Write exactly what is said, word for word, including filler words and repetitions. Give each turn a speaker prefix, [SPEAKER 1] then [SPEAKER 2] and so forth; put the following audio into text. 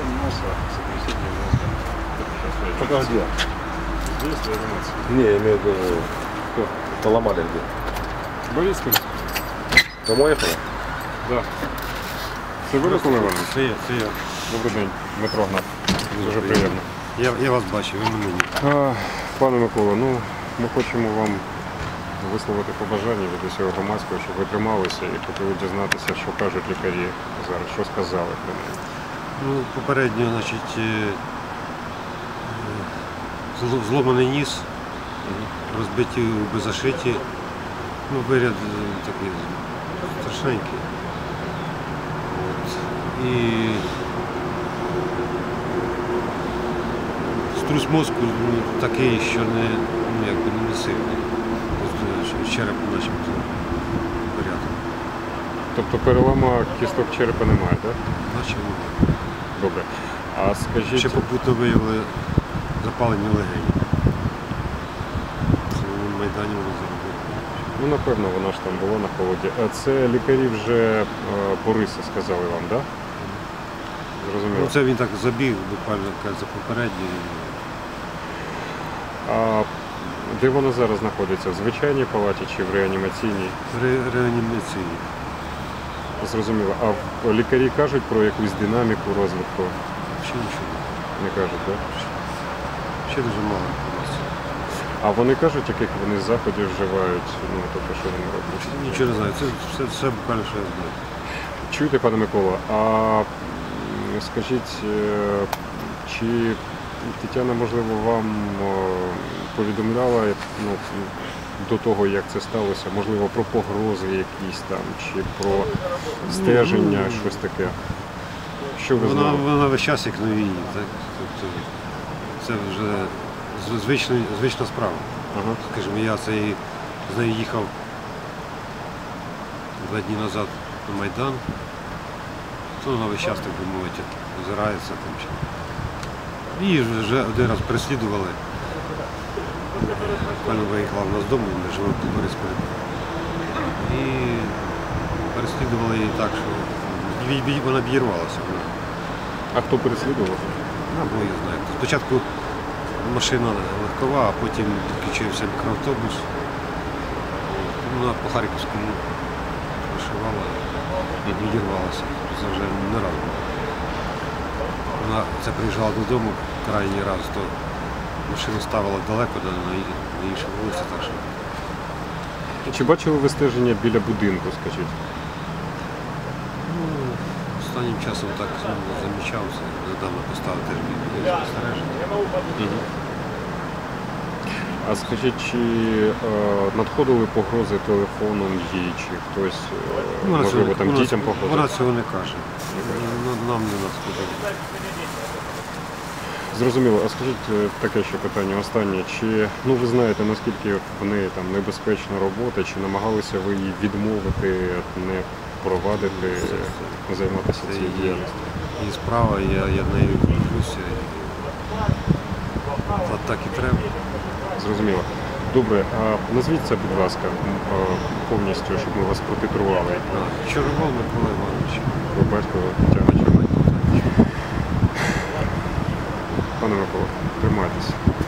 [SPEAKER 1] носа, сотрясение мозга.
[SPEAKER 2] Пока где?
[SPEAKER 1] Здесь реанимация.
[SPEAKER 2] Не, я имею в виду, поломали где?
[SPEAKER 1] Борисполь?
[SPEAKER 2] Домой ехала?
[SPEAKER 1] Да. Це ви, Микола Іванович?
[SPEAKER 3] Це я, це я.
[SPEAKER 1] Добрий день, Дмитро Гнат. Дуже приємно.
[SPEAKER 3] Я, я вас бачив, ви мене ні.
[SPEAKER 1] А, Пане Микола, ну ми хочемо вам висловити побажання від усього громадського, щоб ви трималися і хотіли дізнатися, що кажуть лікарі зараз, що сказали про неї.
[SPEAKER 3] Ну, попередньо, значить, е, зло- зломаний ніс, розбиті губи зашиті, ну, виряд е, такий страшненький. От. І струс мозку ну, такий, що не, ну, якби не сильний. Просто череп начебто порядок.
[SPEAKER 1] Тобто перелома кісток черепа немає, так?
[SPEAKER 3] Наче
[SPEAKER 1] Добре. А скажіть,
[SPEAKER 3] ще попутно виявили запалення легенів. Це на Майдані вони заробили.
[SPEAKER 1] ну напевно вона ж там була на холоді. А це лікарі вже е, Бориса сказали вам, так? Зрозуміло.
[SPEAKER 3] Ну, це він так забіг, буквально каже, за попередній.
[SPEAKER 1] А де вона зараз знаходиться? В звичайній палаті чи в реанімаційній?
[SPEAKER 3] Ре, реанімаційні.
[SPEAKER 1] Зрозуміло. А в- лікарі кажуть про якусь динаміку розвитку?
[SPEAKER 3] Ще нічого.
[SPEAKER 1] Не кажуть, так?
[SPEAKER 3] Ще дуже мало інформації.
[SPEAKER 1] А вони кажуть, яких вони заходів вживають, ну тобто що вони роблять?
[SPEAKER 3] Нічого не знаю. Це все, все буквально, що я знаю.
[SPEAKER 1] Чуєте, пане Микола, а м, скажіть, е, чи Тетяна, можливо, вам е, повідомляла ну, до того, як це сталося, можливо, про погрози якісь там, чи про стеження,
[SPEAKER 3] Ну,
[SPEAKER 1] щось таке? Що ви
[SPEAKER 3] Вона,
[SPEAKER 1] знали?
[SPEAKER 3] вона весь час як на війні. Так? Тобто, це вже з- звична, звична справа.
[SPEAKER 1] Ага.
[SPEAKER 3] Скажімо, я цей, з нею їхав два дні назад на Майдан, то вона весь час, так би мовити, озирається там. чи- Її вже один раз переслідували. Буквально виїхала в нас з дому, ми живемо в Борисполі. І переслідували її так, що ві- ві- вона обірвалася.
[SPEAKER 1] А хто переслідував?
[SPEAKER 3] Ну, бо я знаю. Спочатку машина легкова, а потім підключився мікроавтобус. Вона по Харківському вишивала і відірвалася. Це вже не раз було. Вона це приїжджала додому крайній раз, то машину ставила далеко на, на іншій вулиці. Так що.
[SPEAKER 1] Чи бачили ви стеження біля будинку, скажіть?
[SPEAKER 3] Ну, останнім часом так ну, замічався. Недавно поставив теж біля спостереження.
[SPEAKER 1] А скажіть, чи е, надходили погрози телефоном їй, чи хтось, е,
[SPEAKER 3] Вона
[SPEAKER 1] можливо,
[SPEAKER 3] цього-
[SPEAKER 1] там
[SPEAKER 3] вона-
[SPEAKER 1] дітям погрозив?
[SPEAKER 3] Вона цього не каже. Нам- Нам не надходило.
[SPEAKER 1] Зрозуміло. А скажіть е, таке ще питання останнє. Чи ну ви знаєте, наскільки в неї там небезпечна робота, чи намагалися ви її відмовити, не провадити, е, займатися
[SPEAKER 3] Це
[SPEAKER 1] цією
[SPEAKER 3] її,
[SPEAKER 1] діяльністю?
[SPEAKER 3] її справа, я, я в неї включуся. Та так і треба.
[SPEAKER 1] Зрозуміло. Добре, а назвіть це, будь ласка, м, е, повністю, щоб ми вас протитрували.
[SPEAKER 3] Чорновол Микола Іванович.
[SPEAKER 1] Ви батько Тетяна Чорновол. Пане Микола, тримайтеся.